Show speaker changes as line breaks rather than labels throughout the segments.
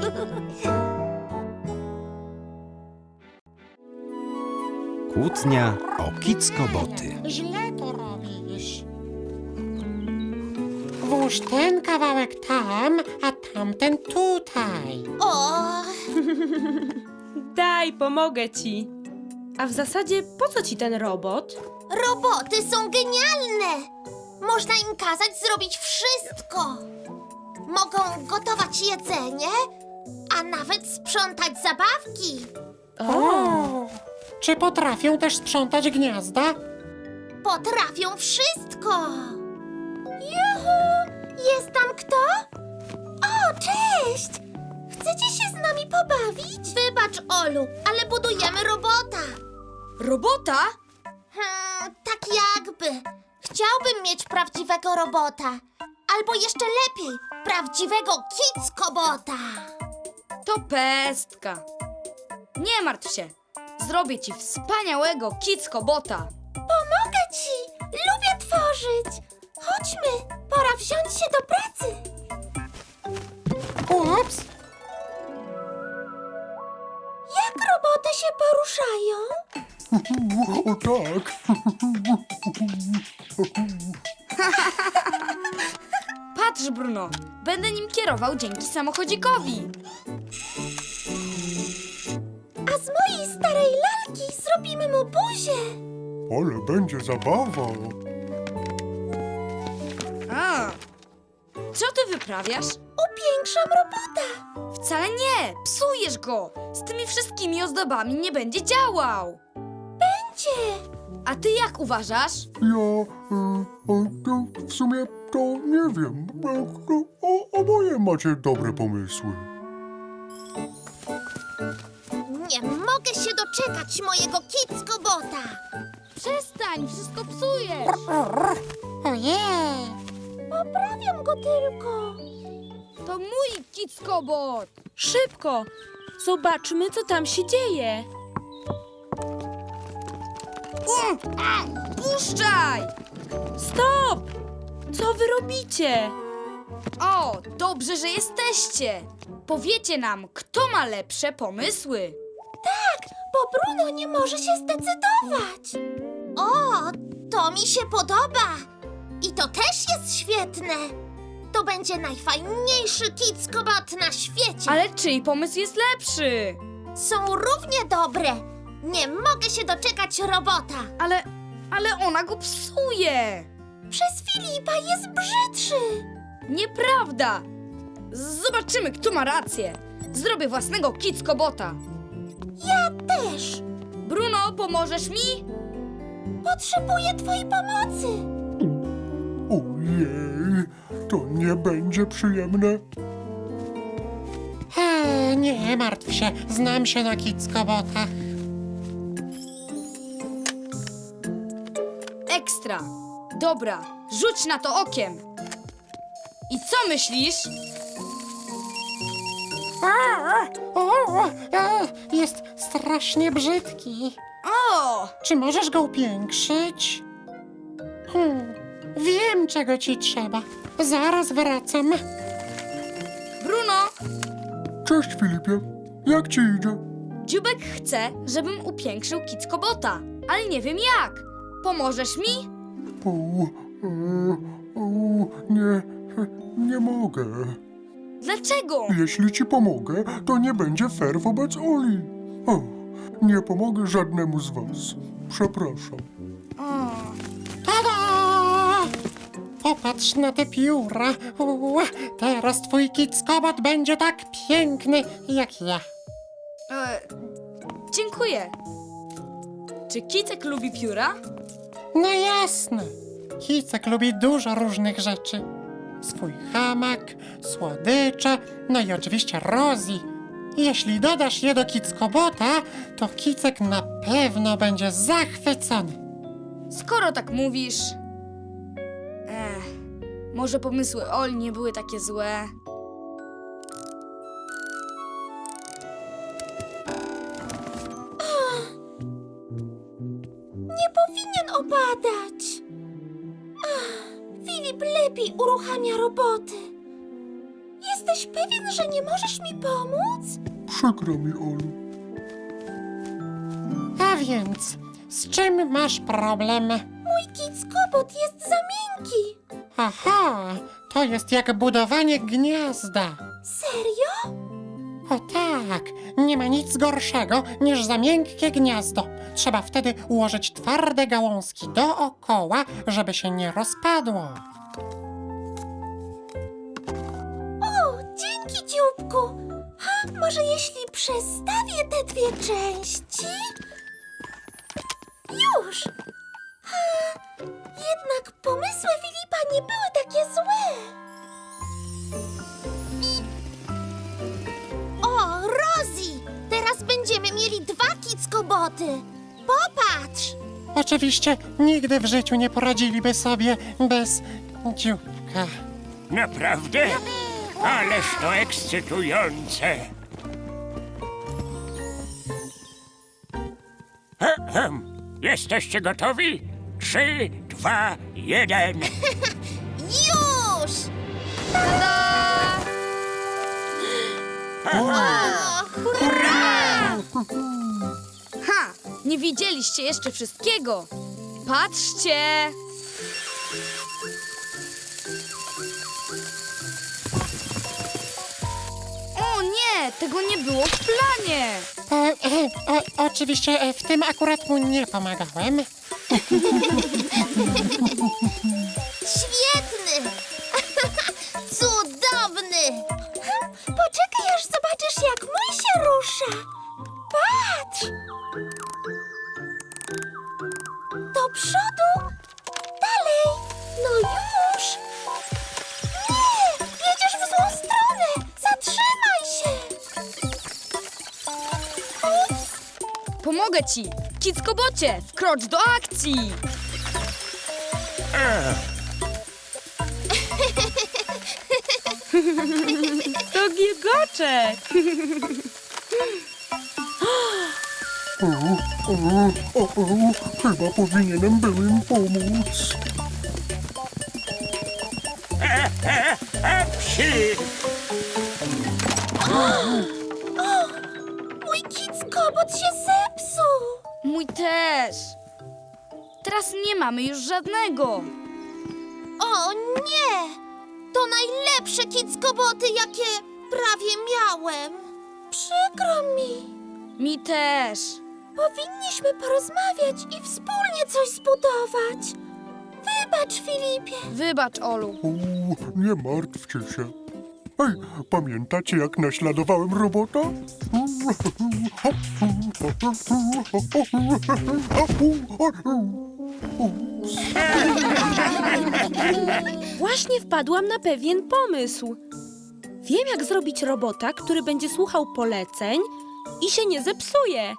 Kłótnia o kickoboty.
Źle to robisz. Włóż ten kawałek tam, a tamten tutaj.
O,
Daj, pomogę ci. A w zasadzie po co ci ten robot?
roboty są genialne! Można im kazać zrobić wszystko. Mogą gotować jedzenie, a nawet sprzątać zabawki.
O! Czy potrafią też sprzątać gniazda?
Potrafią wszystko. Juhu! Jest tam kto? O, cześć! Chcecie się z nami pobawić? Wybacz, Olu, ale budujemy robota.
Robota?
Tak jakby. Chciałbym mieć prawdziwego robota. Albo jeszcze lepiej, prawdziwego kickobota.
To pestka. Nie martw się. Zrobię ci wspaniałego kickobota.
Pomogę ci! Lubię tworzyć! Chodźmy, pora wziąć się do pracy.
Ups!
Jak roboty się poruszają?
O tak!
Patrz, Bruno. Będę nim kierował dzięki samochodzikowi.
A z mojej starej lalki zrobimy mu buzię.
Ale będzie zabawa!
A. Co ty wyprawiasz?
Upiększam robota.
Wcale nie. Psujesz go. Z tymi wszystkimi ozdobami nie będzie działał.
Będzie.
A ty jak uważasz?
To w sumie to nie wiem. Oboje macie dobre pomysły.
Nie mogę się doczekać mojego kickobota.
Przestań, wszystko psujesz.
Ojej!
Poprawiam go tylko.
To mój kickobot.
Szybko! Zobaczmy, co tam się dzieje.
Puszczaj!
Stop! Co wy robicie?
O, dobrze, że jesteście. Powiecie nam, kto ma lepsze pomysły.
Tak, bo Bruno nie może się zdecydować. O, to mi się podoba. I to też jest świetne. To będzie najfajniejszy kickobot na świecie.
Ale czyj pomysł jest lepszy?
Są równie dobre. Nie mogę się doczekać robota.
Ale ona go psuje.
Przez Filipa jest brzydszy.
Nieprawda. Zobaczymy, kto ma rację. Zrobię własnego kickobota.
Ja też.
Bruno, pomożesz mi?
Potrzebuję twojej pomocy.
Ojej, to nie będzie przyjemne.
Nie martw się, znam się na kickobotach.
Ekstra. Dobra, rzuć na to okiem. I co myślisz?
Jest strasznie brzydki.
O!
Czy możesz go upiększyć? Wiem, czego ci trzeba. Zaraz wracam.
Bruno,
Cześć, Filipie. Jak ci idzie?
Dziubek chce, żebym upiększył kickobota, ale nie wiem jak. Pomożesz mi?
Nie mogę.
Dlaczego?
Jeśli ci pomogę, to nie będzie fair wobec Oli. O, nie pomogę żadnemu z was. Przepraszam.
Tada! Popatrz na te pióra. Teraz twój kickobot będzie tak piękny jak ja.
Dziękuję. Czy Kicek lubi pióra?
No jasne. Kicek lubi dużo różnych rzeczy. Swój hamak, słodycze, no i oczywiście Rosie. Jeśli dodasz je do kickobota, to Kicek na pewno będzie zachwycony.
Skoro tak mówisz... może pomysły Oli nie były takie złe.
Nie powinien opadać. Filip lepiej uruchamia roboty. Jest Jesteś pewien, że nie możesz mi pomóc?
Przykro mi, Olu.
A więc, z czym masz problem?
Mój kickobot jest za miękki.
Aha, to jest jak budowanie gniazda.
Serio?
O tak, nie ma nic gorszego niż za miękkie gniazdo. Trzeba wtedy ułożyć twarde gałązki dookoła, żeby się nie rozpadło.
O, dzięki, dzióbku. Ha, może jeśli przestawię te dwie części? Już. Ha, jednak pomysły Filipa nie były takie złe. O, Rosie! Teraz będziemy mieli 2 kickoboty. Popatrz!
Oczywiście nigdy w życiu nie poradziliby sobie bez dzióbka.
Naprawdę? Ależ to ekscytujące! Jesteście gotowi? 3, 2, 1.
Już! O, hurra!
Ha! Nie widzieliście jeszcze wszystkiego. Patrzcie! O nie, tego nie było w planie.
Oczywiście w tym akurat mu nie pomagałem.
Świetny! Cudowny! Poczekaj, aż zobaczysz, jak mój się rusza. Patrz! Do przodu! Dalej! No już! Nie! Jedziesz w złą stronę! Zatrzymaj się! Ups!
Pomogę ci. Kickobocie, wkrocz do akcji.
To giegoczek!
Chyba powinienem był im pomóc.
Psi!
Mój kickobot się zepsuł!
Mój też. Teraz nie mamy już żadnego.
O nie! To najlepsze kickoboty, jakie prawie miałem. Przykro mi.
Mi też.
Powinniśmy porozmawiać i wspólnie coś zbudować. Wybacz, Filipie.
Wybacz, Olu.
Nie martwcie się. Ej, pamiętacie, jak naśladowałem robota?
Właśnie wpadłam na pewien pomysł. Wiem, jak zrobić robota, który będzie słuchał poleceń i się nie zepsuje.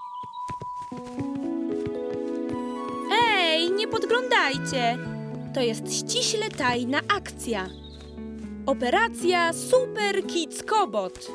Ej, nie podglądajcie. To jest ściśle tajna akcja. Operacja Super Kickobot.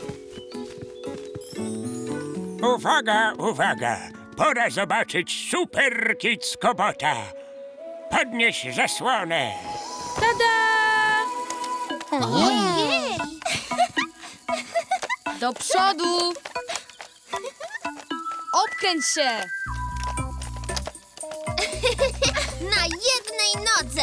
Uwaga, uwaga! Pora zobaczyć Super Kickobota. Podnieś zasłonę.
Tada!
Ojej!
Do przodu. Obkręć się.
Na jednej nodze.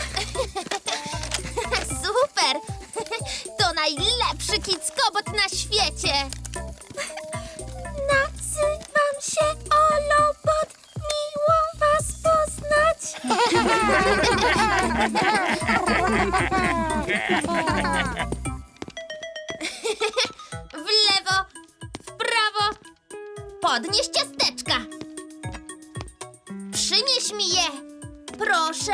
Super! To najlepszy kickobot na świecie. Nazywam się Olobot. Miło was poznać. W lewo, w prawo. Podnieś ciasteczka. Przynieś mi je, proszę.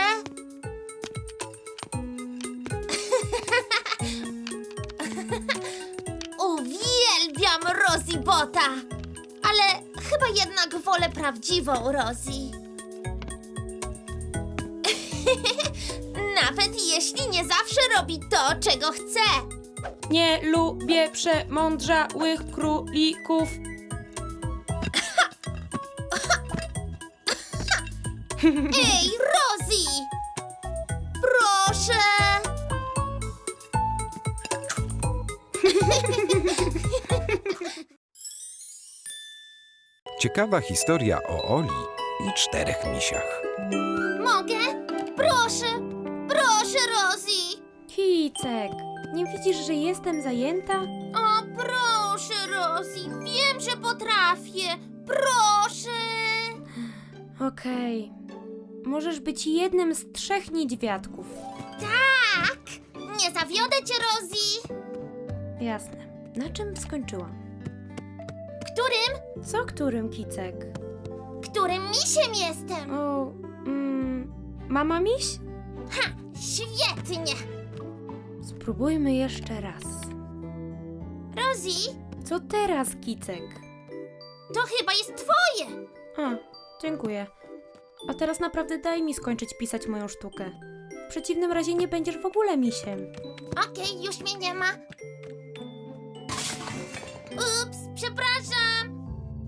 Uwielbiam Rosie Bota, ale chyba jednak wolę prawdziwą Rosie. Nawet jeśli nie zawsze robi to, czego chce.
Nie lubię przemądrzałych królików.
Ej, Rosie! Proszę!
Ciekawa historia o Oli i 4 misiach.
Mogę? Proszę, proszę, Rosie.
Kicek, nie widzisz, że jestem zajęta?
O, proszę, Rosie, wiem, że potrafię. Proszę.
Okej. Możesz być jednym z 3 niedźwiadków.
Tak, nie zawiodę cię, Rosie.
Jasne. Na czym skończyłam?
Którym?
Co którym, Kicek?
Którym misiem jestem?
O, mama miś?
Ha, świetnie.
Spróbujmy jeszcze raz.
Rosie,
Co teraz, Kicek?
to chyba jest twoje.
A, dziękuję. A teraz naprawdę daj mi skończyć pisać moją sztukę. W przeciwnym razie nie będziesz w ogóle misiem.
Okej, już mnie nie ma. Ups, przepraszam.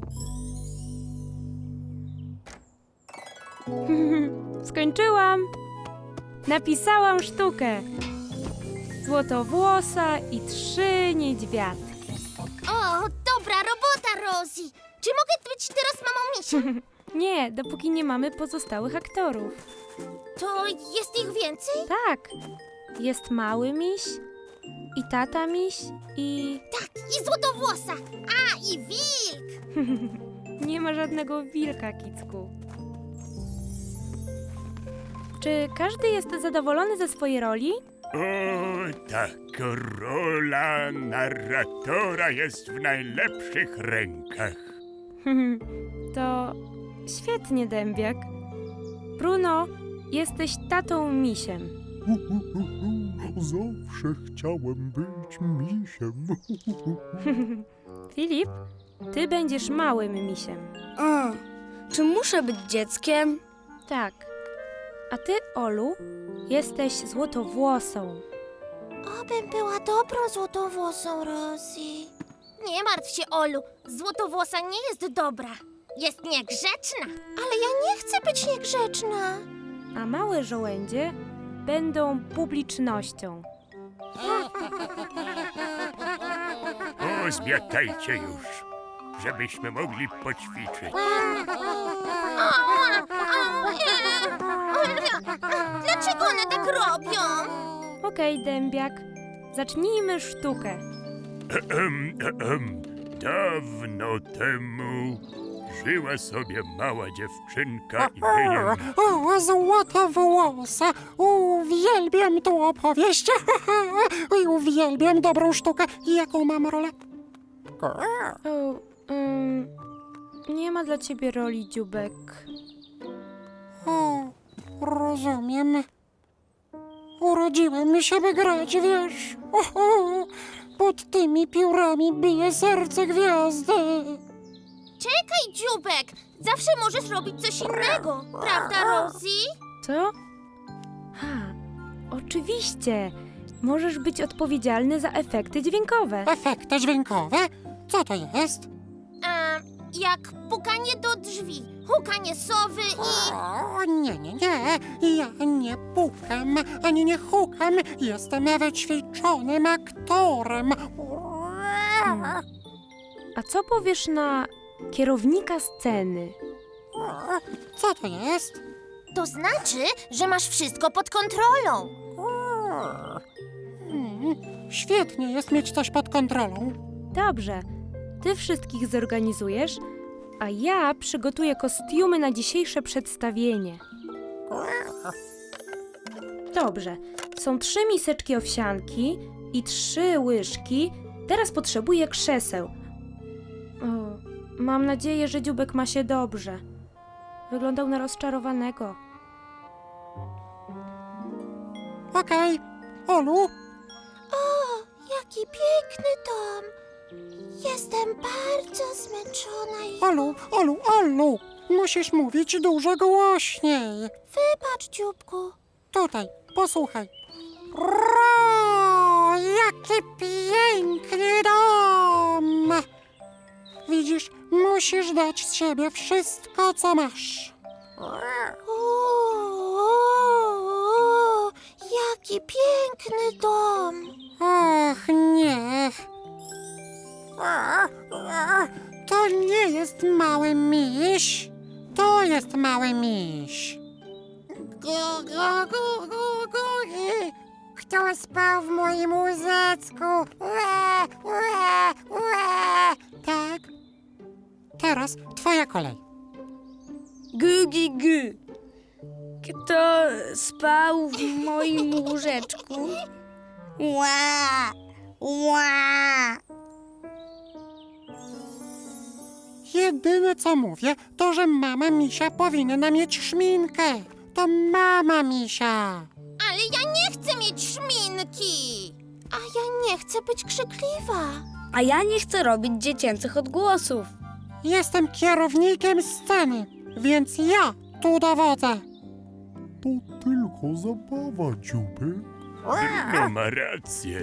Skończyłam! Napisałam sztukę. Złotowłosa i 3 niedźwiadki.
O, dobra robota, Rosie. Czy mogę być teraz mamą misia?
Nie, dopóki nie mamy pozostałych aktorów.
To jest ich więcej?
Tak, jest mały miś i tata miś i...
Tak, i złotowłosa. A, i wilk.
Nie ma żadnego wilka, Kicku. Czy każdy jest zadowolony ze swojej roli?
O, tak, rola narratora jest w najlepszych rękach.
To świetnie, Dębiak. Bruno, jesteś tatą misiem.
Zawsze chciałem być misiem.
Filip, ty będziesz małym misiem.
A, czy muszę być dzieckiem?
Tak. A ty, Olu, jesteś złotowłosą.
Obym była dobrą złotowłosą, Rosie. Nie martw się, Olu. Złotowłosa nie jest dobra. Jest niegrzeczna. Ale ja nie chcę być niegrzeczna.
A małe żołędzie będą publicznością.
O, zmiatajcie już, żebyśmy mogli poćwiczyć.
Dlaczego one tak robią?
Okej, Dębiak, zacznijmy sztukę.
Dawno temu żyła sobie mała dziewczynka imieniem...
O, złotowłosa. Uwielbiam tą opowieść. I uwielbiam dobrą sztukę. Jaką mam rolę?
O, nie ma dla ciebie roli, dzióbek.
O, rozumiem. Urodziłem się, by grać, wiesz. Pod tymi piórami bije serce gwiazdy.
Czekaj, dzióbek. Zawsze możesz robić coś innego. Prawda, Rosie?
Co? Ha, oczywiście. Możesz być odpowiedzialny za efekty dźwiękowe.
Efekty dźwiękowe? Co to jest?
Jak pukanie do drzwi, hukanie sowy i...
O, nie. Ja nie pukam, ani nie hukam. Jestem wyćwiczonym aktorem.
A co powiesz na kierownika sceny?
Co to jest?
To znaczy, że masz wszystko pod kontrolą.
Świetnie jest mieć coś pod kontrolą.
Dobrze, ty wszystkich zorganizujesz, a ja przygotuję kostiumy na dzisiejsze przedstawienie. Dobrze, są 3 miseczki owsianki i 3 łyżki. Teraz potrzebuję krzeseł. O, mam nadzieję, że dzióbek ma się dobrze. Wyglądał na rozczarowanego.
Okej. Olu,
O, jaki piękny dom. Jestem bardzo zmęczona i...
Olu. Musisz mówić dużo głośniej.
Wybacz, dzióbku.
Tutaj, posłuchaj. Jaki piękny dom! Widzisz, musisz dać z siebie wszystko, co masz.
Jaki piękny dom.
Och, nie. jest mały miś. To jest mały miś. Gu, gu, gu, gu, gu. Kto spał w moim łóżeczku? Ue, ue, ue. Tak. Teraz twoja kolej.
Gugi gu. Kto spał w moim łóżeczku? Ła, ła.
Jedyne co mówię, to że mama misia powinna mieć szminkę. To mama misia.
Ale ja nie chcę mieć szminki. A ja nie chcę być krzykliwa.
A ja nie chcę robić dziecięcych odgłosów.
Jestem kierownikiem sceny, więc ja tu dowodzę.
To tylko zabawa, dziubek.
No ma rację.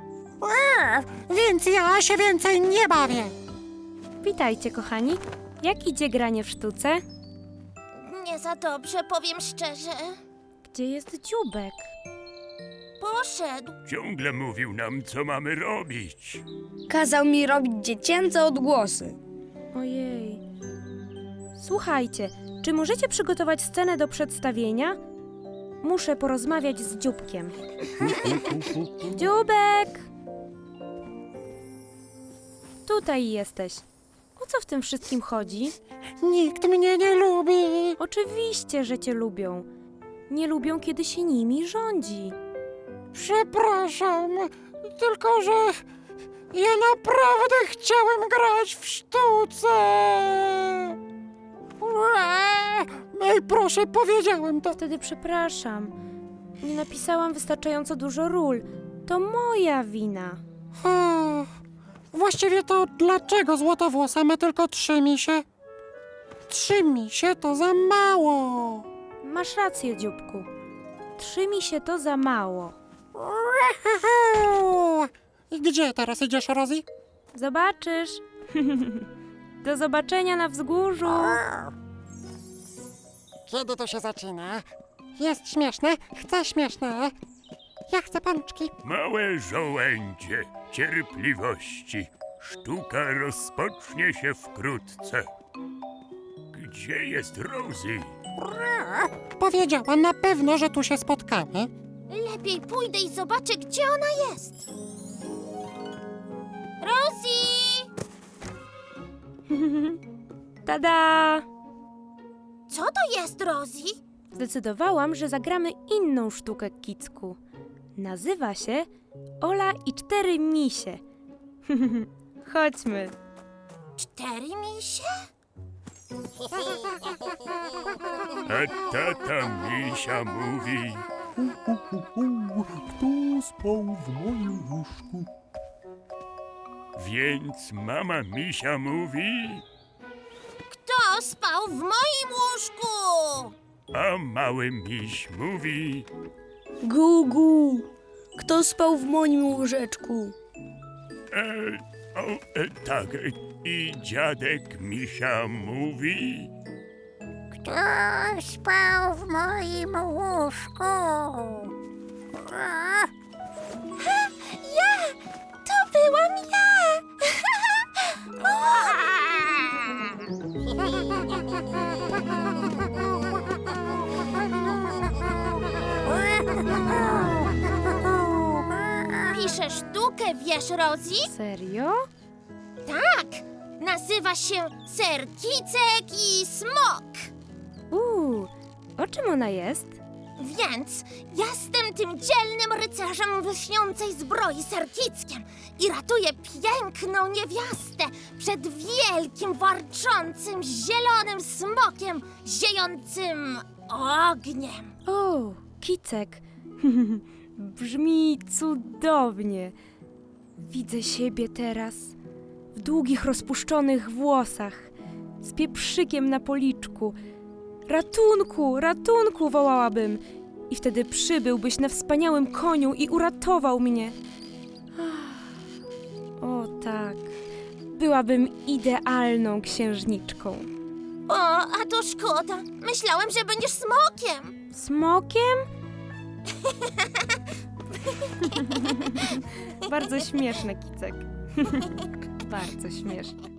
Więc ja się więcej nie bawię.
Witajcie, kochani. Jak idzie granie w sztuce?
Nie za dobrze, powiem szczerze.
Gdzie jest dzióbek?
Poszedł.
Ciągle mówił nam, co mamy robić.
Kazał mi robić dziecięce odgłosy.
Ojej. Słuchajcie, czy możecie przygotować scenę do przedstawienia? Muszę porozmawiać z dzióbkiem. Dzióbek! Tutaj jesteś. O co w tym wszystkim chodzi?
Nikt mnie nie lubi.
Oczywiście, że cię lubią. Nie lubią, kiedy się nimi rządzi.
Przepraszam, tylko że ja naprawdę chciałem grać w sztuce. Ej, proszę, powiedziałem to.
Wtedy przepraszam. Nie napisałam wystarczająco dużo ról. To moja wina.
Właściwie to dlaczego Złotowłosa ma tylko 3 misie? 3 misie to za mało.
Masz rację, dzióbku. 3 misie to za mało.
I gdzie teraz idziesz, Rosie?
Zobaczysz. Do zobaczenia na wzgórzu.
Kiedy to się zaczyna? Jest śmieszne? Chcę śmieszne. Ja chcę pączki.
Małe żołędzie cierpliwości. Sztuka rozpocznie się wkrótce. Gdzie jest Rosie?
Powiedziała na pewno, że tu się spotkamy.
Lepiej pójdę i zobaczę, gdzie ona jest. Rosie!
Tada!
Co to jest, Rosie?
Zdecydowałam, że zagramy inną sztukę, Kicku. Nazywa się Ola i 4 misie. Chodźmy.
4 misie?
A tata misia mówi...
Kto spał w moim łóżku?
Więc mama misia mówi...
Kto spał w moim łóżku?
A mały miś mówi...
Gugu. Kto spał w moim łóżeczku?
Tak, i dziadek misia mówi...
Kto spał w moim łóżku?
Ja! To byłam ja! Piszę sztukę, wiesz, Rosie?
Serio?
Tak! Nazywa się Ser Kicek i Smok.
O czym ona jest?
Więc jestem tym dzielnym rycerzem w lśniącej zbroi Serkickiem i ratuję piękną niewiastę przed wielkim, warczącym, zielonym smokiem ziejącym ogniem.
O, Kicek. Brzmi cudownie. Widzę siebie teraz w długich, rozpuszczonych włosach, z pieprzykiem na policzku. Ratunku, ratunku, wołałabym. I wtedy przybyłbyś na wspaniałym koniu i uratował mnie. O tak, byłabym idealną księżniczką.
O, a to szkoda. Myślałem, że będziesz smokiem.
Smokiem? Bardzo śmieszne, Kicek. Bardzo śmieszne.